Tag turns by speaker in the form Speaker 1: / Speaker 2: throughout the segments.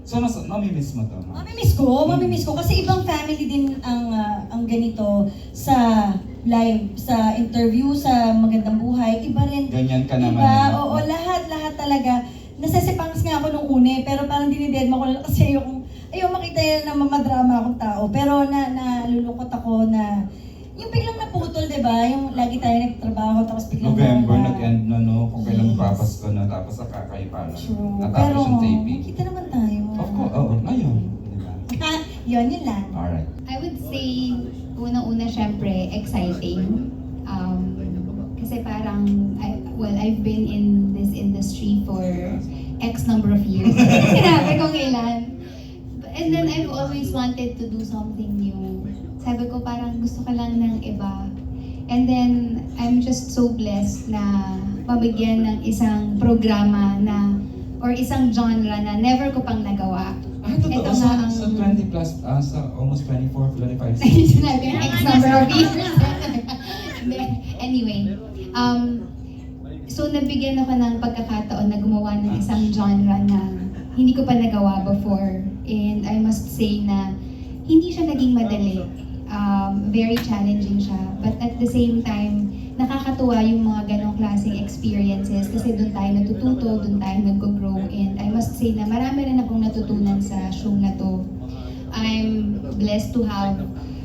Speaker 1: So, mamimiss mo to?
Speaker 2: Mamimiss ko kasi ibang family din ang ganito sa live, sa interview, sa Magandang Buhay, iba rin.
Speaker 1: Ganyan ka naman.
Speaker 2: Diba? Oo, lahat talaga. Nasasipangas nga ako nung une, pero parang dinidedma ko lang kasi ayaw makita yan na mamadrama akong tao. Pero nalulungkot ako na yung biglang naputol, diba? Yung lagi tayo nagtrabaho, tapos biglang
Speaker 1: November,
Speaker 2: nawala.
Speaker 1: nag-end na, no? Kung kailan
Speaker 2: Yes.
Speaker 1: Papasko na, tapos nakakaiba na.
Speaker 2: True.
Speaker 1: Natapos
Speaker 2: Pero
Speaker 1: yung taping.
Speaker 2: kita naman tayo.
Speaker 1: Of course, oo, ngayon. Diba?
Speaker 2: Yun lang.
Speaker 1: Alright.
Speaker 3: I would say, unang-una syempre, exciting. Kasi parang, I've been in this industry for X number of years. Sinabi kong ilan. And then I've always wanted to do something new. Sabi ko parang gusto ko lang ng iba. And then I'm just so blessed na mabigyan ng isang programa na or isang genre na never ko pang nagawa.
Speaker 1: Totoo,
Speaker 3: Ito
Speaker 1: sa,
Speaker 3: nga ang-
Speaker 1: sa 20 plus, sa almost 24, 25.
Speaker 3: Sinabi yung X number of years. Anyway, so nabigyan ako ng pagkakataon na gumawa ng isang genre na hindi ko pa nagawa before. And I must say na hindi siya naging madali. Very challenging siya. But at the same time, nakakatuwa yung mga ganong klaseng experiences kasi doon tayo natututo, doon tayo nag-grow. And I must say na marami rin akong natutunan sa show na to. I'm blessed to have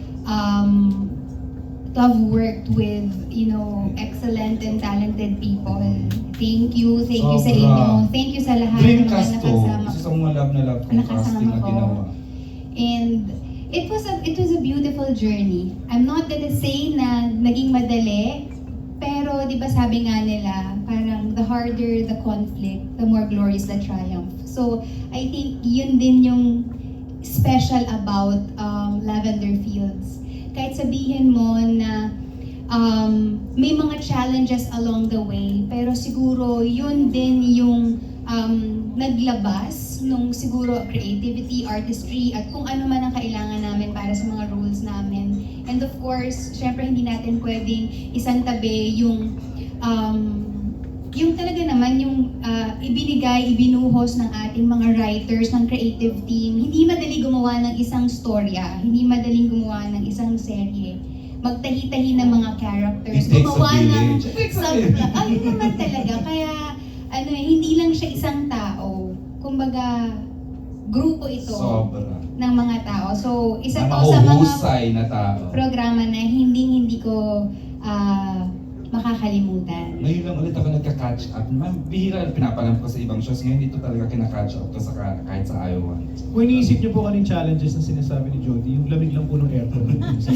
Speaker 3: worked with, excellent and talented people. Thank you sa
Speaker 1: Sobra.
Speaker 3: inyo. Thank you sa lahat ng mga
Speaker 1: Dreamcast to.
Speaker 3: nakasama.
Speaker 1: Isa sa mga love na love kong
Speaker 3: Nakasama
Speaker 1: casting na
Speaker 3: ko.
Speaker 1: ginawa.
Speaker 3: And it was a beautiful journey. I'm not gonna say na naging madali, pero di ba sabi nga nila, parang the harder the conflict, the more glorious the triumph. So I think yun din yung special about Lavender Fields. Kahit sabihin mo na may mga challenges along the way, pero siguro yun din yung naglabas nung siguro creativity, artistry, at kung ano man ang kailangan namin para sa mga roles namin. And of course, syempre hindi natin pwedeng isantabi yung talaga naman yung ibinuhos ng ating mga writers, ng creative team. Hindi madali gumawa ng isang storya, hindi madaling gumawa ng isang serye. Magtahi-tahi ng mga characters,
Speaker 1: It takes a
Speaker 3: gumawa ng
Speaker 1: village. It takes a village.
Speaker 3: ayun naman talaga. Kaya hindi lang siya isang tao. Kumbaga, grupo ito
Speaker 1: Sobra.
Speaker 3: ng mga tao. So, isa
Speaker 1: Na
Speaker 3: to sa mga
Speaker 1: mahuhusay na tao.
Speaker 3: programa na hindi ko makakalimutan.
Speaker 1: Ngayon lang ulit ako nagka-catch up. Bihira, pinapalam ko sa ibang shows. Ngayon dito talaga kina-catch up to sa kahit sa Iowa.
Speaker 4: Kung iniisip niyo po kaning challenges na sinasabi ni Jody, yung lamig lang po ng aircon.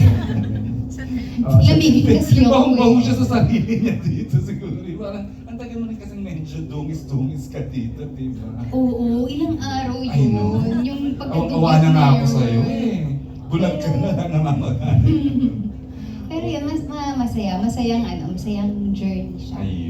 Speaker 3: Lamig kasi
Speaker 1: Yung
Speaker 3: ako
Speaker 1: bahong-baho
Speaker 3: eh.
Speaker 1: siya sa sarili niya dito siguro. Parang, ang tagal mo rin kasing medyo dungis-dungis ka dito, diba?
Speaker 3: Oo, ilang araw
Speaker 1: I know.
Speaker 3: yun. Yung pagkatugis
Speaker 1: Awa na nga ako
Speaker 3: yun.
Speaker 1: sa'yo eh. Bulag ka na lang namamagana.
Speaker 3: Pero yun, masayang journey siya.
Speaker 1: Ayun.